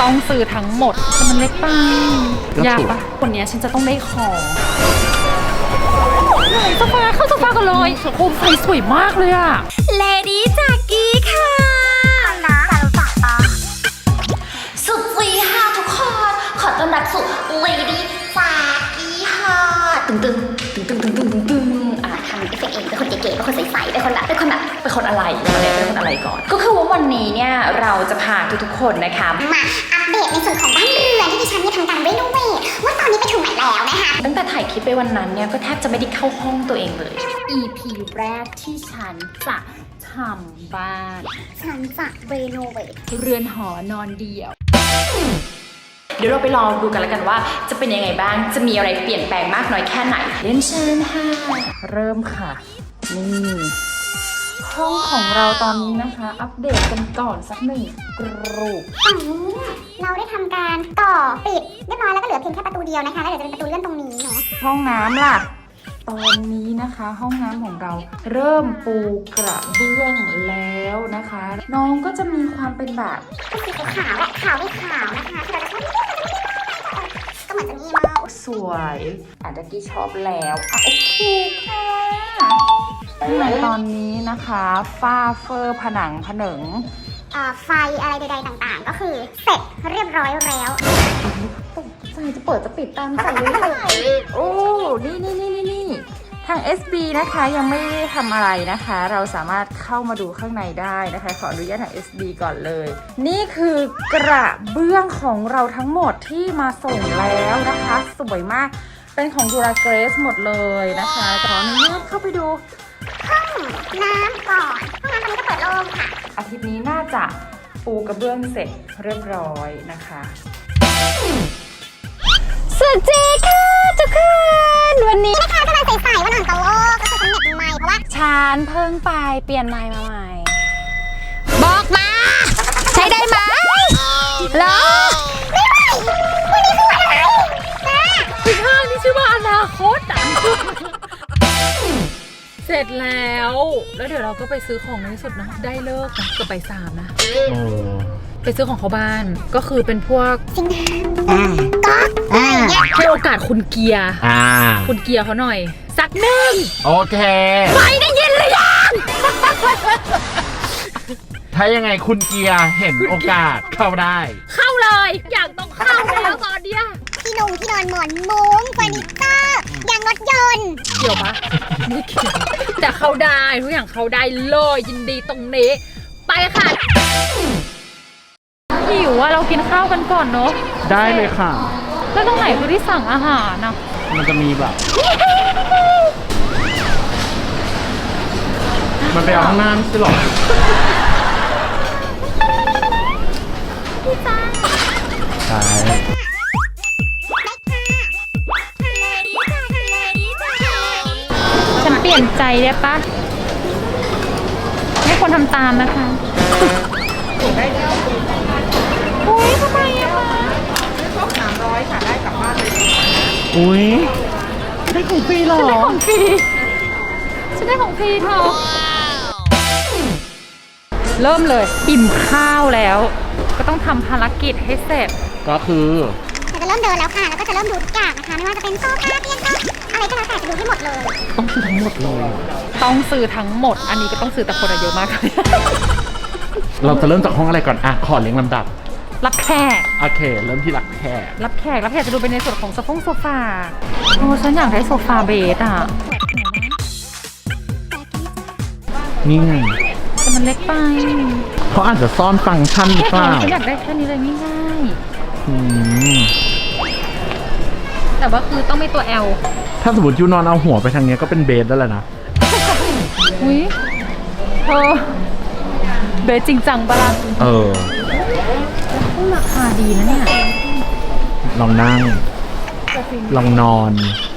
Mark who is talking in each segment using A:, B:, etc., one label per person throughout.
A: ต้องซื้อทั้งหมดแต่มันเล็กไปยากปะคนนี้ฉันจะต้องได้ของโซฟาเข้าโซฟากันเลยโคมไฟสวยมากเลยอะเลดี้จากกี้ค่ะสุดซีค่ะทุกคนขอต้อนรับสู่เลดี้จากกี้ค่ะตึงตึงตึงตึงตึงตึงตึงทำเอฟเฟกต์เองเป็นคนเก๋ๆเป็นคนใสๆเป็นคนแบบเป็นคนอะไรเป็นคนอะไรก่อนก็คือว่าวันนี้เนี่ยเราจะพาทุกๆคนนะคะ
B: มาอัปเดตในส่วนของบ้านเรือนที่ดิฉันทำการรีโนเวทว่าตอนนี้ไปถึงไหนแล้วนะคะ
A: ตั้งแต่ถ่ายคลิปไปวันนั้นเนี่ยก็แทบจะไม่ได้เข้าห้องตัวเองเลย EP แรกที่ฉันจะทำบ้าน
B: ฉันจะรีโนเวท
A: เรือนหอนอนเดี่ยวเดี๋ยวเราไปรอดูกันแล้วกันว่าจะเป็นยังไงบ้างจะมีอะไรเปลี่ยนแปลงมากน้อยแค่ไหนเรียนเชิญค่ะเริ่มค่ะนี่ห้องของเราตอนนี้นะคะอัปเดตกันก่อนสักหนึ่งกรูป
B: ฝั่งนี้เราได้ทำการต่อปิดเรียบร้อยแล้วก็เหลือเพียงแค่ประตูเดียวนะคะแล้วเดี๋ยวจะเป็นประตูเลื่อนตรงนี้เนาะ
A: ห้องน้ำล่ะตอนนี้นะคะห้องน้ำของเราเริ่มปูกระเบื้องแล้วนะคะน้องก็จะมีความเป็นแบบ
B: สีขาวและขาวด้วยขาวนะคะที่เราจะก็เหมือนจะมีมาก
A: สวยอาจจะกี้ชอบแล้วโอเคค่ะตอนนี้นะคะฝ้าเฟอร์ผนังผนึง
B: ไฟอะไรใดๆต่างๆก็คือเสร็จเรียบร้อยแล้ว
A: ใส่จะเปิดจะปิดตามใส่เลยโอ้นี่ทาง SB นะคะยังไม่ได้ทำอะไรนะคะเราสามารถเข้ามาดูข้างในได้นะคะขออนุญาตทาง SB ก่อนเลยนี่คือกระเบื้องของเราทั้งหมดที่มาส่งแล้วนะคะสวยมากเป็นของดูราเกรสหมดเลยนะคะขออนุญาตเข้าไปดู
B: ห้องน้ำก่อนห้องน้ำตอนนี้ก็เปิดโล่งค่ะ
A: อาทิตย์นี้น่าจะปูกระเบื้องเสร็จเรียบร้อยนะคะสวัสดีค่ะทุกคนวันนี้
B: นะคะกำลังใส่ๆวันอ่อนตะโลกก็คือฉันเน็ตใหม่เพราะว่า
A: ฉันเพิ่งไปเปลี่ยนไมค์มาใหม่บอกมาใช้ได้ไหมเหรอ
B: ไม่ไหววันนี้คือวันอะไร
A: พี่ข้างนี่ชื่อว่าอนาคตเสร็จแล้วเดี๋ยวเราก็ไปซื้อของในที่สุดนะได้เลิกนะก็ไป3นะไปซื้อของเขาบ้านก็คือเป็นพวก
B: ซิงค์ก๊อก
A: ให้โอกาสคุณเกียร์คุณเกียร์เขาหน่อยสักหนึ่ง
C: โอเค
A: ไม่ได้ยินเลยยัง
C: ถ้ายังไงคุณเกียร์เห็นโอกาสเข้าได้
A: เข้าเลยอยากต้องเข้าแล้วตอนเนี้ย
B: ที่นอนหมอนมุ้งเฟอร์นิเจอร์ยางรถยนต์
A: เกี่ยวปะไม่เกี่ยวแต่เข้าได้ทุกอย่างเข้าได้เลยยินดีตรงนี้ไปค่ะหิวว่าเรากินข้าวกันก่อนเนาะ
C: ได้เลยค่ะ
A: แล้วตรงไหนคือที่สั่งอาหารนะ
C: มันจะมีแบบมันไปเอาข้างหน้าไม่ใช่หรอ
A: พี่จ้า
C: ใช่
A: ฉันเปลี่ยนใจได้ปะไม่ควรทำตามนะคะอุ้ยทำไมอะคะ
D: ครบ300ค่ะได้กลับบ้านเลย
C: อุ้ยได้ของฟรีหรอ
A: ฉันได้ของฟรีฉันได้ของฟรีเธอเริ่มเลยอิ่มข้าวแล้วก็ต้องทำภารกิจให้เสร็จ
C: ก็คือ
B: จะเริ่มเดินแล้วค่ะแล้วก็จะเริ่มดูทุกอย่างนะคะไม่ว่าจะเป็นโซฟาเตียงโต๊ะอะไรก็แล้วแต่จะดูให้หมดเลย
C: ต้องซื้อทั้งหมดเลย
A: ต้องซื้อทั้งหมดอันนี้ก็ต้องซื้อแต่คนเยอะมากเลย
C: เราจะเริ่มจากห้องอะไรก่อนขอเรียงลำดับ
A: รับแขก
C: โอเคเริ่มที่รับแข
A: กจะดูเป็นในส่วนของโซฟาโอ้ฉันอยากได้โซฟาเบสอ่ะ
C: นี่ไง
A: แต่มันเล็กไป
C: เขาอาจจะซ่อนฟังก์ชันหรือเปล่า
A: ฉันอยากได้แค่นี้เลยง่ายๆแต่ว่าคือต้องมีตัว L
C: ถ้าสมมติยูนอนเอาหัวไปทางนี้ก็เป็นเบสแล้วแหละนะ
A: อุ้ยเบสจริงจังปะล่ะราคาดีนะเนี่ย
C: ลองนั่งลองนอน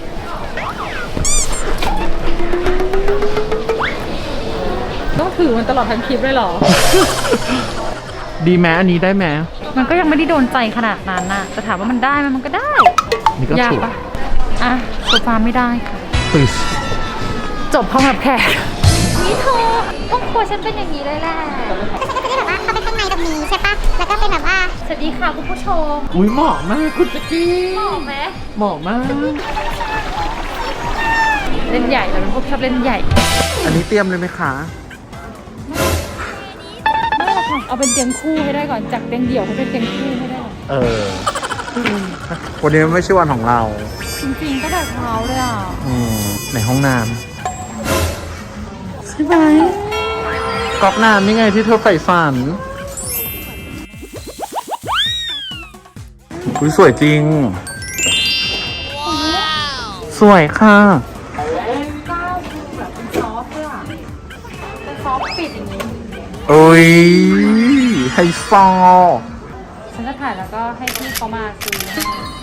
A: ต้องถือมันตลอดทั้งคลิปเลยเหรอ
C: ดีแม้อันนี้ได้แม้
A: มันก็ยังไม่ได้โดนใจขนาดนั้นน่ะแต่ถามว่ามันได้มันก็ได้
C: นี่ก็
A: ยากปะโซฟาไม่ได้ค่ะจบห้องรับแขกนี่เธอห้องครัวฉันเป็นอย่างนี้เลยแหละ
B: ก็ฉันก็จะได้แบบว่าเข้าไปข้างในจะมีใช่ปะแล้วก็เป็นแบบว่า
A: สวัสดีค่ะคุณผู้ชม
C: อุ้ยเหมาะมากคุณแจ๊กกี้
A: เหมาะไหม
C: เหมาะมาก
A: เล่นใหญ่เราเป็นพวกชอบเล่นใหญ่
C: อันนี้เตรียมเลยไหมคะ
A: ไม่หรอกค่ะเอาเป็นเตียงคู่ให้ได้ก่อนจากเตียงเดี่ยวให้เป็นเตียงคู่ให้ได้ก่อน
C: เออ วันนี้ไม่ใช่วันของเรา
A: จริงๆก็แบบเท้าเลยอ่ะ
C: ในห้องน้ำใช่ไหมก๊อกน้ำนี่ไงที่เธอใฝ่ฝันอุ้ยสวยจริง สวยค่ะ
A: ก้าวคือแบบเป็นซอฟต์ด้วยอ่ะเป็นซอฟต์ปิดอย่างนี้
C: โอ้ยไฮโซ
A: ฉันจะถ่ายแล้วก็ให้พี่เขามาซื้อให้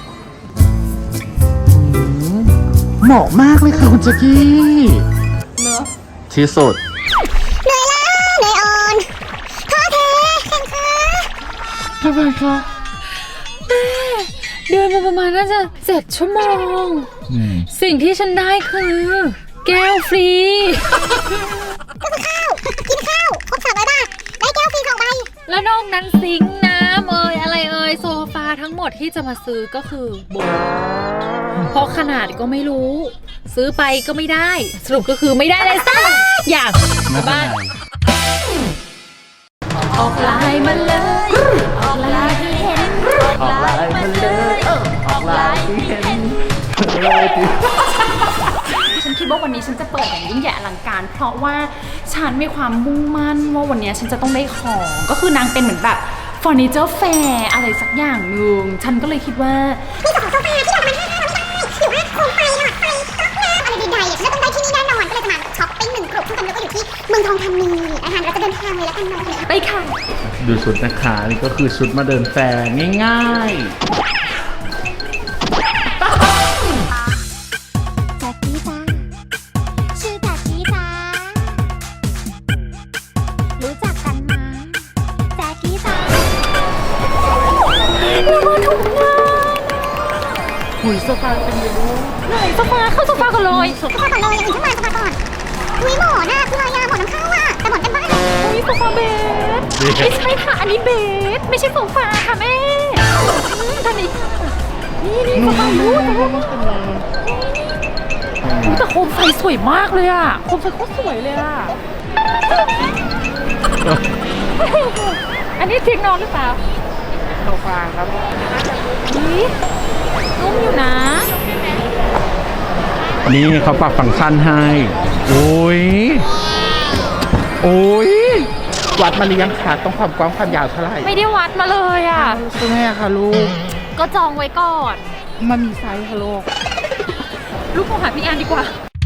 C: เหมาะมากเลยค่ะคุณแจ๊กกี้
A: เนอะ
C: ที่สุด
B: เหนื่อยล้าเหนื่อยอ่อนท้อแท้แข็งขา
C: ทำไมคะ
A: เดินมาประมาณน่าจะ7 ชั่วโมง สิ่งที่ฉันได้คือ แก้วฟรี
B: ก็คือข้าว กินข้าวครบ300 บาท ได้แก้วฟรี2 ใบ
A: แล้วนอกนั้นซิงค์น้ำอะไรโซฟาทั้งหมดที่จะมาซื้อก็คือโบเพราะขนาดก็ไม่รู้ ซื้อไปก็ไม่ได้ สรุปก็คือไม่ได้เลยสักอย่างบ้านออกไลน์มาเลยออกไลน์ให้เห็นออกไลน์มาเลยออกไลน์ให้เห็นฉันคิดว่าวันนี้ฉันจะเปิดอย่างยิ่งใหญ่อลังการเพราะว่าฉันมีความมุ่งมั่นว่าวันนี้ฉันจะต้องได้ของก็คือนางเป็นเหมือนแบบเฟอร์นิเจอร์แฟร์อะไรสักอย่างหนึ่งฉันก็เลยคิดว่า
B: มีของโซฟาที่ราคามัน500 บาทหรือว่าโคมไฟหลอดไฟก๊อกน้ำอะไรใดๆฉันต้องได้ที่นี่แน่นอน ก็เลยจะมาช้อปปิ้ง1 กลุ่มซึ่งตอนนี้ก็อยู่ที่เมืองทองธานีนะคะเราจะเดินทางเลยแล้วกันเนาะ
A: ไปค่ะ
C: ดูชุดนะคะนี่ก็คือชุดมาเดินแฟร์ง่าย
B: แจ็คกี้จ้าชื่อแจ็คกี้จ้ารู้จักกันมาแจ็คกี้จ้าเรามาถูกงาน
A: หุยโซฟาเป็นยังไงไหนโซฟาเข้าโซฟากันเลย
B: โซฟาก่อนเลยอย่างอื่นขึ้นมาโซฟาก่อนอุ้ยหมอนน่ะคืออะไรอะหมอนน้ำเข้าอะแต่หมอนเป็นบ้าน
A: อุ้ยโซฟาเบสไม่ใช่ค่ะอันนี้เบสไม่ใช่โซฟาค่ะแม่ท่านนี้นี่โซฟาลูกแต่โคมไฟสวยมากเลยอ่ะโคมไฟโคตรสวยเลยอ่ะอันนี้เตียงนอนหรือเปล่า
D: โซฟาครับ
A: นี่นุ่มอยู่นะ
C: ๆ นี่เขาปรับฟังก์ชันให้ โอ้ย โอ้ย วัดมาหรือยังคะต้องความกว้างความยาวเท่าไหร่
A: ไม่ได้วัดมาเลยอ่ะ
C: ใช่ไหมคะลูก
A: ก็จองไว้ก่อน
D: มันมีไซส์ค่ะลูก
A: ลูกโทรหาพี่แอนดีกว่า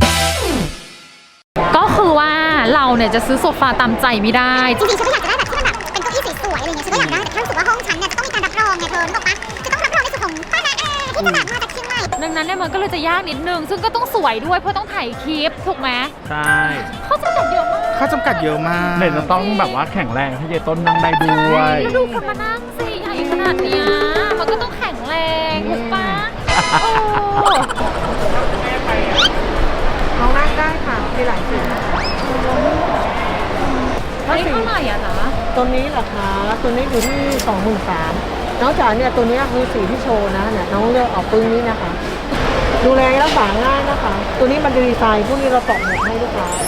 A: ก็คือว่าเราเนี่ยจะซื้อโซฟาตามใจไม่ได้
B: จริงๆฉันก็อยากจะได้แบบที่มันแบบเป็นเก้าอี้สวยๆอะไรเงี้ยฉันก็อยากได้แต่ถ้ารู้สึกว่าห้องฉันเนี่ยจะต้องมีการรับรองไงเธอนึกออกปะจะต้องรับรองในส่วนของป้านาอาที่จะแบบมาจากเชียงใหม่
A: ดังนั้นเนี่ยมันก็เลยจะยากนิดนึง ซึ่งก็ต้องสวยด้วยเพราะต้องถ่ายคลิปถูกไหม
C: ใช่
A: เขาจำกัดเยอะมาก
D: ข้อจำกัดเยอะมาก
C: เด็จะต้องแบบว่าแข็งแรงให้เยต้นนั่งได้ด้วย
A: แล้วดูคนมานั่งสิใหญ่ขนาดเนี้ยมันก็ต้องแข็งแรงถูกปะโอ้
D: น้องนั่งได้ค่ะมีหลายสี
A: อันนี้เท่าไหร่อะคะ
E: ตัวนี้เหรอคะตัวนี้อยู่ที่ 23,000นอกจากเนี่ยตัวนี้คือสีที่โชว์นะเนี่ยน้องเลือกเอาปึ้งนี้นะคะ ดูแลรักษาง่ายนะคะ ตัวนี้มันจะดีไซน์พวกนี้เราตอกหมดให้ลูกค้า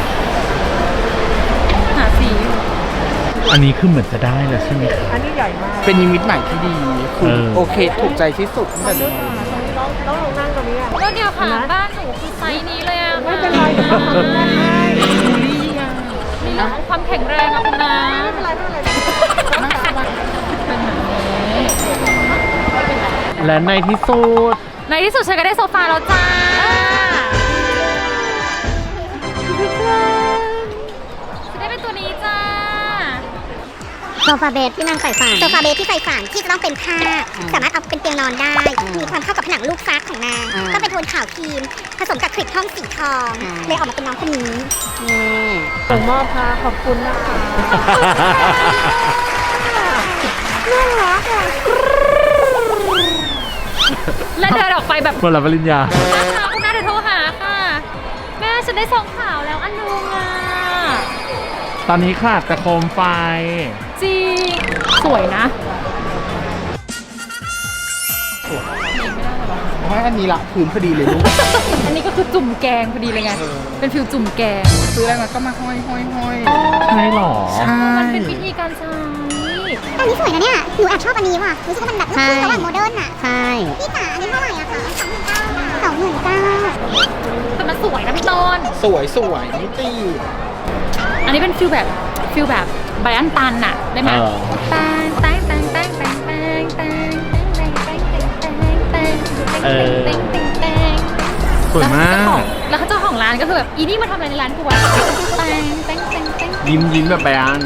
A: หาสีอยู่
C: อันนี้คือเหมือนจะได้แล้วใช่ไหมคะ
E: อันนี้ใหญ่มาก
D: เป็นนิมิตใหม่ที่ดีคือ
C: เออ
D: โอเคถูกใจที่สุดตั้งแต่
E: ด้
D: เดิ
E: วย
D: ม
E: ค่ะตรงนี้น้องลองนั่งตรงนี้อะ
A: แล้วเนี่ยค่ะบ้านหนูคือไซส์นี้เลยอะ
E: ไม่เป็นไรเดี๋ยวเราทำได้ให้
A: ในเรื่องของความแข็งแรงอะคุณนะ
E: ไม่เป็นไรไม่เป็นไร
C: และในที่สุด
A: ในที่สุดฉันก็ได้โซฟาแล้วจ้าจะได้เป็นตัวนี้จ้า
B: โซฟาเบสที่นางใฝ่ฝันโซฟาเบสที่ใฝ่ฝันที่จะต้องเป็นผ้าสามารถเอาเป็นเตียงนอนได้ มีความเข้ากับผนังลูกฟักของนางก็เป็นโทนขาวครีมผสมกับคลิปห้องสีทองเลยออกมาเป็นน้องคนนี้
E: ส่งมอบค่ะขอบคุณนะคะ
B: น่ารักอ่ะ
A: และเดินออกไปแบบ
C: คนละปริญญา
A: แม่คะคุณแม่เดี๋ยวโทรหาค่ะ แม่ฉันได้ซองข่าวแล้วอันนึงอ่ะ
C: ตอนนี้ขาดแต่โคมไฟ
A: จริงสวยนะ
D: ว่าอันนี้ละพื้นพอดีเลยลูก
A: อันนี้ก็คือจุ่มแกงพอดีเลยไง เป็นฟิลจุ่มแกง
D: ซื้ออะไรมาก็มาห้อย
C: ใช่หรอ
D: ใช่
A: มันเป็นวิธีการใช้
B: อันนี้สวยนะเนี่ย หนูแอบชอบอันนี้ว่ะ รู้สึกว่ามันแบบลูกครึ่งระหว่างโมเดิร์นอะ
E: ใช่
B: พี่จ๋าอันนี้เท่าไหร่อะคะ29,000
A: แต่มันสวยนะพี่ต้น
D: สวยไม่ตี
A: อันนี้เป็นฟิลแบบไบรอันตันน่ะได้ไหม
C: เออ
A: แตงแตงแตงแตงแตงแตงแตงแตงแตงแตงแตงแตง
C: เออ
A: แตงแตงแตง
C: สวยมาก
A: แล้วเจ้าของร้านก็คือแบบอีนี่มาทำอะไรในร้านกูวะแตงแตงแตงแตง
C: ยิ้มแบบแบรนด์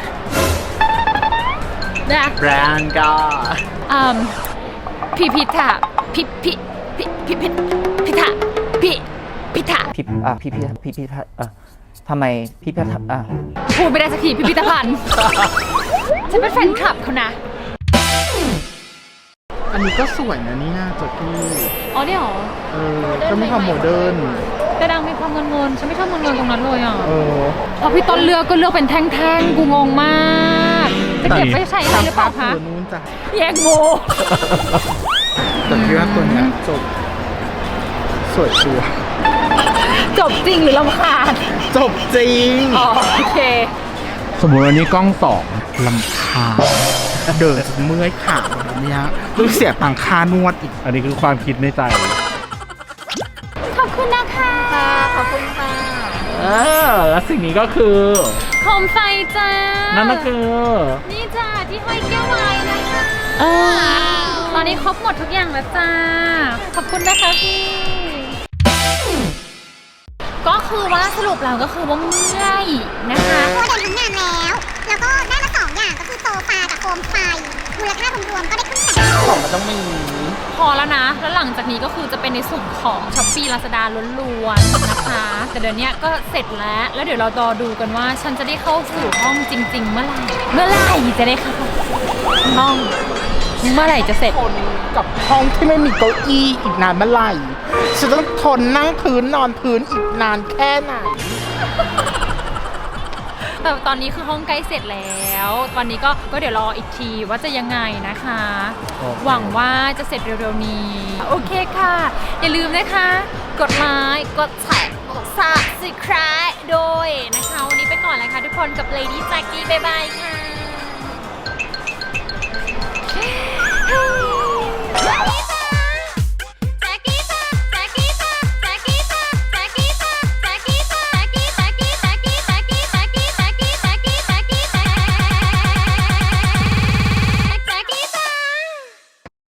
A: นะ
C: แบรนด์ก็
A: พิพิธะพิพิพิพิพิพิธะพิพิธะ
F: พิพิธทำไมพิพิธ
A: พูดไม่ได้สักทีพิพิธภัณฑ์ ฉันเป็นแฟนคลับเขานะ
D: อันนี้ก็สวยนะเนี่ยจ็อกกี้
A: อ๋อเนี่ยเหรอ
D: ก็ไม่ทำโมเดิร์น
A: แต่ดังมีความเงินฉันไม่ชอบเงินตรงนั้นเลยอ่ะ
D: เออ
A: พอพี่ต้นเลือกก็เลือกเป็นแท่งๆ กูงงมากจะเก็บไปใช้อะไรหรือเปล่าคะ
D: ตัวนู้นจ้ะ
A: แยกโม
D: แต่พี่ว่าตัวเนี้ยจบสวยชัวร์
A: จบจริงหรือลำคาญ
D: จบจริง
A: อ๋อโอเค
C: สมมติวันนี้กล้องสอง
D: ลำคาญเดินจนเมื่อยขาแบบเนี้ยต้องเสียตังค่านวดอีก
C: อันนี้คือความคิดในใจ
A: ขอบคุณนะคะ
E: ขอบคุณค่ะ
C: แล้วสิ่งนี้ก็คือ
A: โคมไฟจ้า
C: นั่นก็คือ
A: นี่จ้าที่ห้อยแก้วไว้นะคะตอนนี้ครบหมดทุกอย่างแล้วจ้า ขอบคุณนะคะพี่ ก็คือว่าสรุปแล้วก็คือว่าเมื่อยนะคะ
B: ตัวเดินทั้งงานแล้ว แล้วก็ได้มา2 อย่างก็คือโซฟากับโคมไฟ มูลค่ารวมๆก็ได้ครึ่งแสน
D: ของมันต้องมี
A: พอแล้วนะ แล้วหลังจากนี้ก็คือจะเป็นในส่วนของ Shopee Lazada ล้วนๆนะคะ แต่เดี๋ยวนี้ก็เสร็จแล้ว แล้วเดี๋ยวเรารอดูกันว่าฉันจะได้เข้าสู่ห้องจริง ๆ เมื่อไหร่ เมื่อไหร่จะได้เข้าห้อง เมื่อไหร่จะเสร็จ
D: ทนกับห้องที่ไม่มีเก้าอี้อีกนานเมื่อไหร่ฉันต้องทนนั่งพื้นนอนพื้นอีกนานแค่ไหน
A: แต่ตอนนี้คือห้องใกล้เสร็จแล้ว ตอนนี้ก็เดี๋ยวรออีกทีว่าจะยังไงนะคะ หวังว่าจะเสร็จเร็วๆนี้ โอเคค่ะ อย่าลืมนะคะ กดไลค์กดแชร์กด Subscribe โดยนะคะ วันนี้ไปก่อนเลยค่ะทุกคนกับ Lady Jackie บ๊ายบายค่ะ